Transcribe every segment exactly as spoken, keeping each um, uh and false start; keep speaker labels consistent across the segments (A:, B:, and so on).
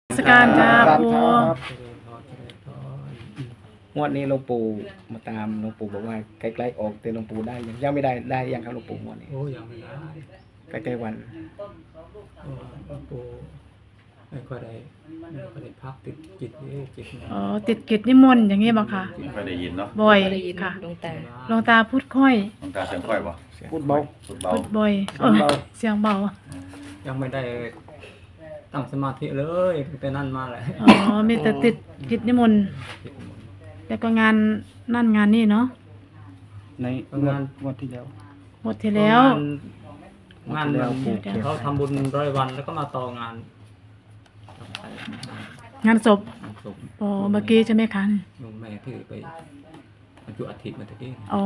A: สการจ้าปู
B: งวดนี้หลวงปู่มาตามหลวงปู่บอกว่าใกล้ๆออกแต่หลวงปู่ได้ยังยังไม่ได้ได้ยังครับหลวงปู่งวดนี้
C: โอ้ยังไม่ได้
B: ใกล้ๆวัน
C: โอ้หลวงปู่ไม่ค่อยได้ไม่ค่อยได้พักติดจิตนี่จิตเนี่ย
A: อ๋อติดกิจนิมนต์อย่างนี้บ่ค่ะ
D: ไม่ค่อยได้ยินเนาะ
A: บ่อย
E: ได้ยิน
A: ค่ะ
E: หลวงตา
A: หลวงตาพูดค่อย
D: น้องตาเสียงค่อยป่ะ
B: พูดเบา
D: สุดเบา
A: พูดบ่อย
B: เสียงเบา
A: เออเสียงเบา
C: ยังไม่ได้ตั้งสมาธิเลยตั้งแต่นั้นมาแหละ
A: อ๋อมีแต่ติดกิจนิมนต์แล้วก็งานนั่นงานนี่เนาะ
B: ในงวดงวดที่แล้ว
A: หมดที่แล้ว
C: งาน
B: งาน
C: มัน
B: เดี๋ยว
C: เขาทำบุญร้อยวันแล้วก็มาต่องาน
A: งานศพ
C: งานศพ
A: อ๋อเมื่อกี้ใช่ไหมคะ
C: โยมแม่ที่ไปบรรจุอัฐิมาตะกี้
A: อ๋อ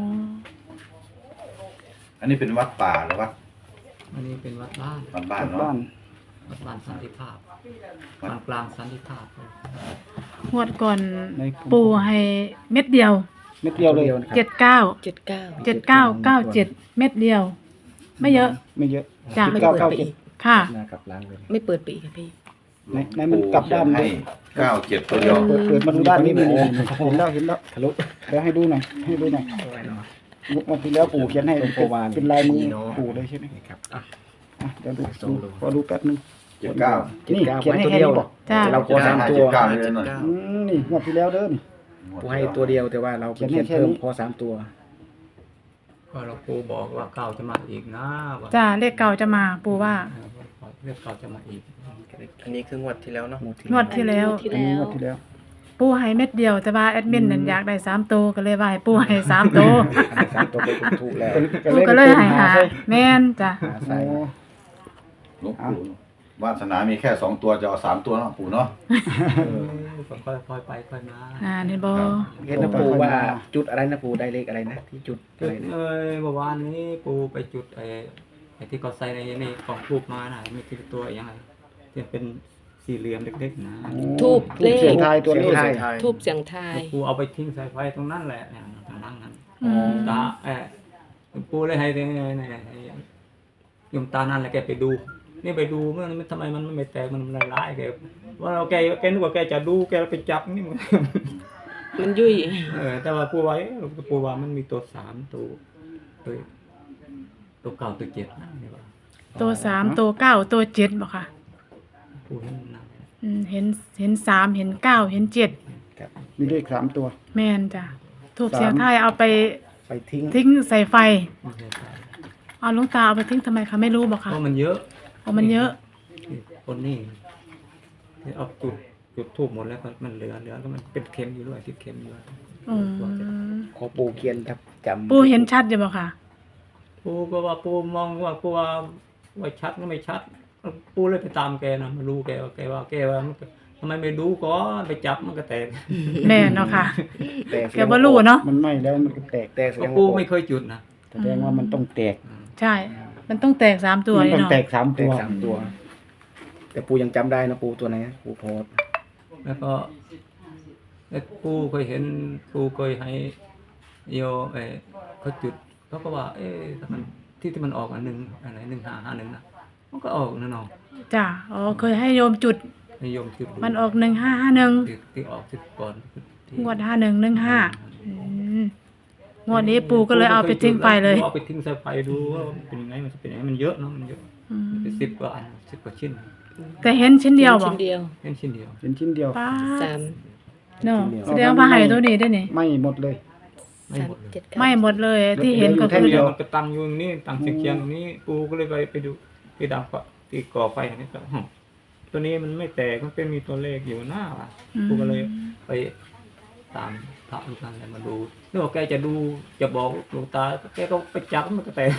D: อันนี้เป็นวัดป่าหรือวัด
C: อันนี้เป็นวัดบ้าน
D: วัดบ้าน
B: บ้า
D: เนาะ
B: น
C: วัดบ้านสันติภาพบ้านกลางสันติภาพ
A: งวดก่อนปูให้เม็ดเดียว
B: เม็ดเดียวเลย
A: เจ็ดเก้า
E: เจ็ดเก้า
A: เจ็ดเก้าเก้าเจ็ดเม็ดเดียว ไม่เยอะ
B: ไม่เยอะ
A: จ้ะ
E: ไม่
B: เก้า
E: เปิด
B: เก้า
E: ไป
B: เจ็ด
E: อีก
A: ค่ะ
B: หน้ากลับล้างเลย
E: ไม่เปิดไปอีกค่ะพี่
B: ในในมันกลับด้าน
D: ให้
B: เลย
D: เก้าเจ็ดตัวเดียว
B: เปิดเปิดมาดูด้านนี้เลยเห็นแล้วเห็นแล้วทะลุเดี๋ยวให้ดูหน่อยให้ดูหน่อยงวดที่แล้วปู่เขียนให้เป็นลายมือปู่เลยใช่ไหมครับ
A: อ่ะ
B: อ่ะเดี๋ยวดูดูขอดูแป๊บนึง
D: เจ็ดเก้า
B: นี่เขียนให้แค่นี้บอก
A: จ้า
B: เราขอสามตัว
D: เจ็ดเก้าเลยหน่อย
B: อืมนี่งวดที่แล้วเด้อนี่ปูให้ตัวเดียวแต่ว่าเราเขีเขียยนนให้แค่เพิ่มนี้พอสามตัว
C: ก็หลวงปู่บอกว่าเก้าจะมาอีกนะว่า
A: จ้าเลขเก่าจะมาปูว่า
C: เรียกเก้าจะมาอีก
F: อันนี้คืองวดที่แล้วเนาะ
A: งวดที่แล้ว
E: ที่
B: อันนี้
E: แล้
B: ง
E: ว
B: วดที่แล้ว
A: ปูให้เม็ดเดียวแต่ว่าแอดมินนั่นอยากได้สามตัวก็เลยว่าให้ปูให้สามตัว
B: สามตัวไปถูกแล้ว
A: ปูก็เลยให้หาแม่นจ้ะ
B: หาใส่
D: หลวงปู่วาสนามีแค่สองตัวจะเอาสามตัวเนาะปู่เนาะ
C: ผมก็ค่อยไปค่อยมา
A: อ่านี่บ่
B: เห็นนะปูว่าจุดอะไรนะปูได้เลขอะไรนะที่จุด
C: จุ
B: อะไร
C: ด
B: นะ
C: เอ้ยเมื่อวานนี้ปูไปจุดไอ้ไอ้ที่เขาใส่ในนี่กล่องทูบมาน่ะมีกี่ตัวยังไงที่เป็นสี่เหลี่ยมเล็กๆนะ
E: ทูบเลข
B: เสียงทายตัวเลข
E: ทูบเสียงทาย
C: ปูเอาไปทิ้งใส่ไฟตรงนั้นแหละเนี่ยตรงนั้นนั้น
A: อืม
C: ตาเออปูเลยให้เนี่ยเนี่ยยมตานั่นแหละแกไปดู นี่ไปดูมันทำไมมันไม่แตกมันละลายแกว่าเราแกแกนึกว่าแกจะดูแกไปจับนี่มัน
E: มันยุ่ย
C: เออแต่ว่าปูไว้ปูว่ามันมีตัวสามตัวตัวตัวเก่าตัวเจ็ดนะนี่ว่า
A: ตัวสามตัวเก้าตัวเจ็ดบ่ค่ะ
C: ปูนั่นนะ
A: อืมเห็นเห็นสามเห็นเก้าเห็นเจ็ด
B: มีเลขสามตัว
A: แม่นจ้ะทูบเสียงไทายเอาไป
B: ไปทิ้ง
A: ทิ้งใส่ไฟ
C: ไม่ใช่ใช่
A: เอาหลุงตาเอาไปทิ้งทำไมคะไม่รู้บ่
C: เพ
A: ค่ะ
C: ราะมันเยอะ
A: เพราะมันเยอะ
C: คนนี่ที่เอาจุดจุดทูบหมดแล้วก็มันเหลือเหลือก็มันเป็นเค็มอยู่ด้วยติดเค็มอยู่ด้วย
A: อืม
B: ขอปูเขียนครับจำ
A: ปูเห็นชัดอยู่บ่ค่ะ
C: ปูก็ว่าปูมองว่าปูว่าว่าชัดก็ไม่ชัดปูเลยไปตามแกนะมารู้แกว่าแกว่าแกว่ามันก็ทำไมไม่ดูก่อนไปจับมันก็แตก
A: แม่นเนาะค่ะ
B: แต่
A: แกบ่รู้เนาะ
B: มันไหม้แล้วมันก็แตกแตกแสด
C: ก็
B: ง
C: ปู
B: ว่า
C: ไม่เคยจุดนะ
B: แสดงว่ามันต้องแตก
A: ใช่ มันต้องแตกสามตัว
B: มัน
A: นี่
B: ต้อง
A: เนาะ
B: แตกสาม
F: แต
B: ตัว
F: กสามตัว
B: แต่ปูยังจำได้นะปูตัวไหนนะปูโพส
C: แล้วก็แล้วปูเคยเห็นปูเคยให้โยเออเขาจุดเขาก็ว่า เอ๊ะถ้ามันที่ที่มันออกอันหนึ่งอะไรหนึ่งห้าห้าหนึ่งนะมันก็ออกนั่นเนาะ
A: จ้ะอ๋อเคยให้โยมจุด
C: นิยมจุดดู
A: มันออกหนึ่งห้าห้าหนึ่ง
C: ที่ที่ออกจุดก่อนที่
A: งวดห้าหนึ่งหนึ่งห้าอืมงวดนี้ปูก็เลยเอาไปทิ้งไปเลย
C: เอาไปทิ้งใส่ไฟดูว่ามันเป็นยังไงมันจะเป็นยังไงมันเยอะเนาะมันเยอะ
A: อืม
C: เป็นสิบกว่าอันสิบกว่าชิ้น
A: แต่เห็นชิ้นเดียวบ่
E: ชิ้นเดียว
C: แค่ชิ้นเดียว
B: เป็นชิ้นเดียว
A: ป้า
E: สาม
A: เนาะแสดงว่าให้ตัวนี้ได้นี่
B: ไหม้หมดเลย
C: ไม่
E: สาม
C: หมดเลย
E: เจ็ดเก้า
A: ไม่หมดเลยที่เห็นก็
B: แท่
A: คื
B: ง
A: อ
B: เดียว
C: มันก็ตั้งอยู่ตรงนี้ตั้งเชียงๆตรงนี้ปูก็เลยไปไปดูที่ดังกว่าที่ก่อไฟอันนี้ก็หึตัวนี้มันไม่แตกมันเป็นมีตัวเลขอยู่หน้าว่ะปูก็เลยไปตามพระลูกนั้นเลยมาดูนึกว่าแกจะดูจะบอกหลวงตาแกก็ไปจับมันก็แตก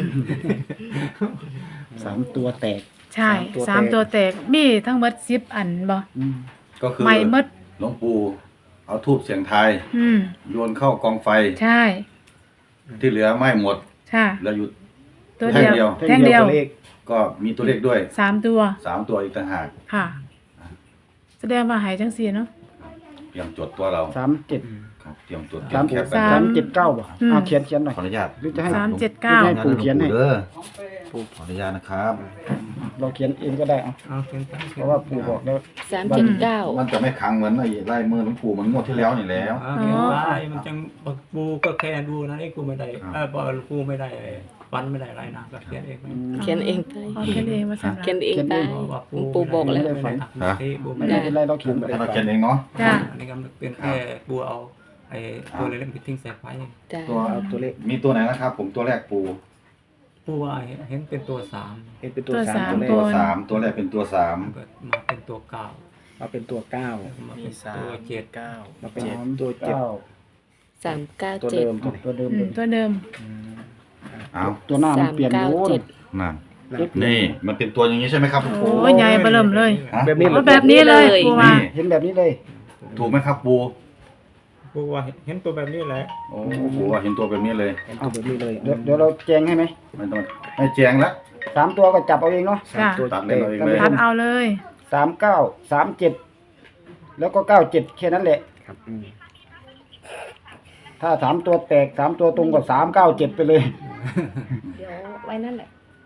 B: สามตัวแตก
A: ใช่สามตัวแตกมีทั้งหมดสิบอันบ่
B: อืม
D: ก็คือ
A: ไม่หมด
D: หลวงปู่เอาทูบเสียงทาย
A: อืม
D: โยนเข้ากองไฟ
A: ใช่
D: ที่เหลือไหม้หมด
A: ใช่
D: แล้วอยู่
A: ตัวเดียว
D: แท่
A: แท่ง
D: งเดี
A: เดีย
D: ยว
A: ว
B: เลข
D: ก็มีตัวเลขด้วย
A: สามตัว
D: สามตัวอีกต่างหาก
A: ค่ะ แสดงว่าหายจังสี่เนาะ
D: เตรียมจดตัวเรา
B: สามเจ็ด
D: ครับเตรียมจด
B: สาม
D: แคปไป
A: สา
B: สาม มเจ็ดเก้าบ่
A: อืม
B: เอาเขียนเขียนหน่อย
D: ขออนุญาต
B: หรือจะให้
A: สามเจ็ดเก้า
B: ให้ปู่เขียนให้
D: เด้อปู่ขออนุญาตนะครับ
B: นเราเขียนเองก็ได้เอา
C: เอาเขียนไป
B: เพราะว่าปู่บอกแล้ว
E: สามเจ็ดเก้า
D: มันจะไม่ขังเหมือนไอ้ลายมือหลวงปู่เหมือนงวดที่แล้วนี่แล้ว
C: เอาเขียนไปมันจังปูก็แค่ดูนะไอ้กูไม่ได้
D: ครับ
C: เออบอกกูไม่ได้วันไม่ได้อะไรนะก็เขียนเองไป
E: เขียนเองไป
A: อ๋อเขียนเองว่าสั่น
E: เขียนเองไป
C: เพราะว่า
E: ปู่บอกแล้ว
C: ไม่ได้ฝันปู
B: ไม่
C: ไม่ได้
B: เป็นไรเราเขียนไป
D: ให้เราเขียนเองเนาะ
A: จ้ะ
C: อันนี้ก็เป็นแค่ปูเอาไอ้ตัวเล็กๆไปทิ้งใส่ไฟ
E: จ้ะ
D: ตัว
F: เอาตัวเลข
D: มีตัวไหนนะครับ ผมตัวแรกปู
C: ปูว่าเห็นเป็นตัวสาม
F: เห็นเป็นตัว
A: ตัว
F: สาม
A: สาม
F: ตัวเล
D: ตัว
F: ข
D: สามตัวแรกเป็นตัวสาม
C: มันก็มาเป็นตัวเก้า
F: มาเป็นตัวเก้า
C: มา
G: มี
C: เป็น
G: สา
C: ตัว
G: ม
C: เจ็ด
G: เก้า
F: มาเป็น
B: สาม
F: ตัวเจ็ด
B: เก้า
E: สามเก้า
F: ตัว
E: เจ็ด
F: เดิมตัว
B: ตัวเดิม
A: อื
B: เล
A: ม
B: ย
A: ตัวเดิม
D: เอา
B: ตัวหน้ามันเปลี่ยน
E: สาม
B: โอ้
E: เก้าเจ็ด
D: นั่น
F: นี้
D: นี่มันเป็นตัวอย่างนี้ใช่ไหมครับ
A: โอ้ยใหญ่เบอเริ่มเลย
D: ฮะ
F: แบบนี้
A: โอ้แบบนี้เลยปูว่า
D: นี่
B: เห็นแบบนี้เลย
D: ถูกไหมครับปู
C: ปูว่าเห็นตัวแบบนี้แหละ
D: โอ้โหเห็นตัวแบบนี้เลย
F: เห็นตัวแบบนี้เลย
B: เดี๋ยวเดี๋ยวเราแจงให้ไหม
D: ไม่ต้องไม่แจงแล้ว
B: สามตัวก็จับเอาเองเนาะ
F: สามตัว
D: ตัดเลยเอาเองเลย
A: ทัดเอาเลย
B: สามเก้าสามเจ็ดแล้วก็เก้าเจ็ดแค่นั้นแหละ
F: ครับอืม
B: ถ้าสามตัวแตกสามตัวตรงกับสามเก้าเจ็ดไปเลย
E: เดี๋ยวไว้นั่นแหละ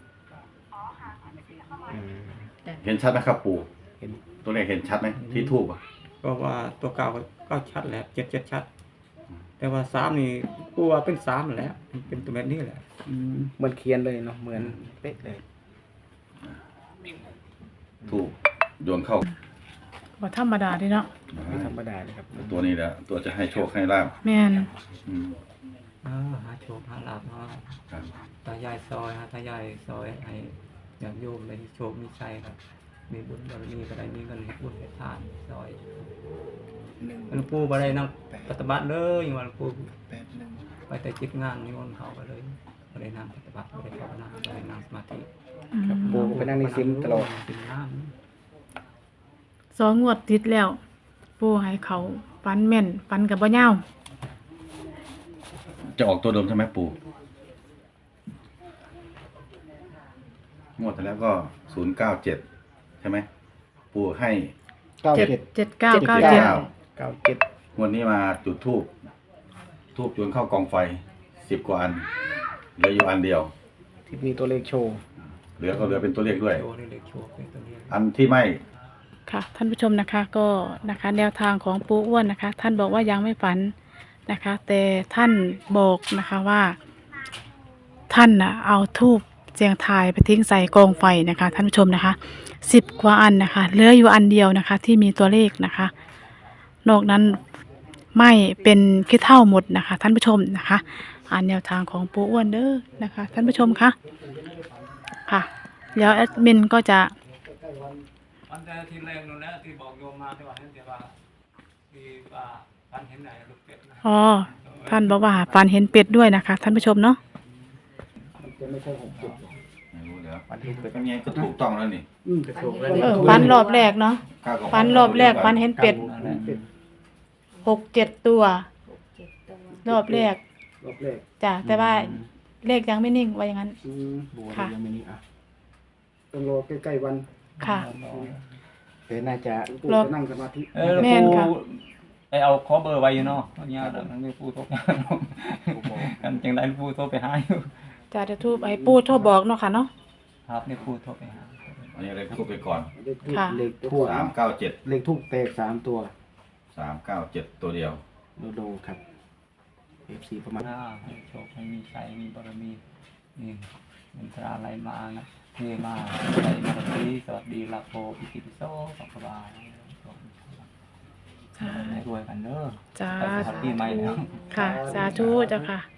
F: อืม
D: เห็นชัดไหมครับปู
F: เห็น
D: ตัวเลขเห็นชัดไหมที่ทูบอ่ะ
C: ก็ว่าตัวเก้าก็ชัดแหละเจ็ดเจ็ดชัด แต่ว่าสามนี่ปูว่าเป็นสามแหละมันเป็นตัวแบบนี้แหละ
F: เหมือนเขียนเลยเนาะเหมือนเป๊ะเลย
D: ทูบโยนเข้า
A: บ่ธรรมดาเดิเนาะ
F: ไม่ธรรมดาเลยครับ
D: ตัวนี้แหละตัวจะให้โชคให้ลาบ
A: แม่น
D: อืม
C: เออหาโชคหาลาภเนาะ
D: ครับ
C: ตายายซอยฮะตายายซอยไอ้อย่างโยมเลยโชคมีชัยครับ มีบุญบารมีก็ได้มีเงินให้บุญให้ทานซอย
G: หนึ่ง
C: หลวงปู่บ่ได้นั่งปฏิบัติเลยอย่างว่าหลวงปู่
G: แปดหนึ่ง
C: ไปแต่จิตงานนิมนต์เขาไปเลยบ่ได้นั่งปฏิบัติบ่ได้ภาวนาบ่ได้นั่งสมาธิ
A: อืม
F: ปูก็ไปนั่งในซิมตลอด
C: เป็นน้ำ
A: สองงวดติดแล้ว ปูให้เขาฟันแม่นฟันกับบ่ยาว
D: จะออกตัวเดิมใช่ไหมปู่งวดที่แล้วก็ศูนย์เก้าเจ็ดใช่ไหมปู่ให้
B: เก้า
A: เจ็ด
B: เจ็ด
A: เจ็ดเก้า
D: เจ็ด
A: เก้าเจ็ด
D: เก้า
F: เก้าเจ็ด
D: งวดนี้มาจุดทูบทูบโยนเข้ากองไฟสิบกว่าอันเหลืออยู่อันเดียว
F: ที่มีตัวเลขโชว์
D: เหลือก็เหลือเป็นตัวเลขด้วย
C: โชว์นี่เด็กโชว์เป็นตัวนี้
D: อันที่ไม่
A: ค่ะ ท่านผู้ชมนะคะก็นะคะแนวทางของปูอ้วนนะคะ ท่านบอกว่ายังไม่ฝันนะคะ แต่ท่านบอกนะคะว่า ท่านนะเอาทูบเสียงทายไปทิ้งใส่กองไฟนะคะ ท่านผู้ชมนะคะสิบกว่าอันนะคะเหลืออยู่อันเดียวนะคะ ที่มีตัวเลขนะคะ นอกนั้นไม่เป็นขี้เท่าหมดนะคะ ท่านผู้ชมนะคะอ่านแนวทางของปูอ้วนเด้อนะคะ ท่านผู้ชมคะค่ะแล้วแอดมินก็จะ
C: อันแต่ที่แรกนู่นแหละที่บอกโยมมาที่ว่าเห็นแต่ว่าที่ว่าฝันเห็นไหนลูกเป็ดนะ
A: อ๋อท่านบอกว่าฝันเห็นเป็ดด้วยนะคะ ท่านผู้ชมเนาะ
B: จะไม่ใช่หกเจ็ด
D: ไม่รู้แล้วอันที่เป็นยังไงก็ถูกต้องแล้วนี่
B: อืม
F: ถูกแล้ว
A: เออฝันรอบแรกเนาะ
D: ข้าวกับ
A: ฝันรอบแรกฝันเห็นเป็ด
C: นั่นแหละ
A: หกเจ็ดตัว รอบแรก
B: รอบแรก
A: จ้ะแต่ว่าเลขยังไม่นิ่งว่าอย่างนั้น
B: อืม
F: บัว
A: ค่ะ
F: ยังไม่นี่อ่ะ
B: ต้องรอใกล้ๆวัน
A: ค่ะ
F: เดี๋ยวน่าจะ
B: ปู่
A: รอ
B: จะนั่งสมาธิ
C: เออ
A: แม่นค่ะ
C: ไอเอาขอเบอร์ไว้อยู่เนาะตอนนี้เดี๋ยวมันมีผู้โทรไปหาเนาะกันจังไดผู้โทรไปหาอยู่
A: จะจะทูบไอ้ปูโทรบอกเนาะค่ะเนาะ
C: ครับนี่ผู้โทรไปหา
D: อันนี้อะไรพูดไปก่อน
B: เลขทูป
A: ค่ะ
B: เลขทูป
D: สามเก้าเจ็ด
B: เลขทูปแตกสามตัว
D: สามเก้าเจ็ดตัวเดียว
F: โดโดครับ เอฟ ซี ประมาณ
C: หน้าให้โชคให้มีชัยมีบารมีนี่มันตราอะไรมานะเทมาใจมาสวัสดีสวัสดีลาโภปิติปิโสสัพพะบาให้รวยกันเด้อ
A: จ้า
C: ไปสวัสดีใหม่แล้ว
A: ค่ะ สาธุเจ้าค่ะ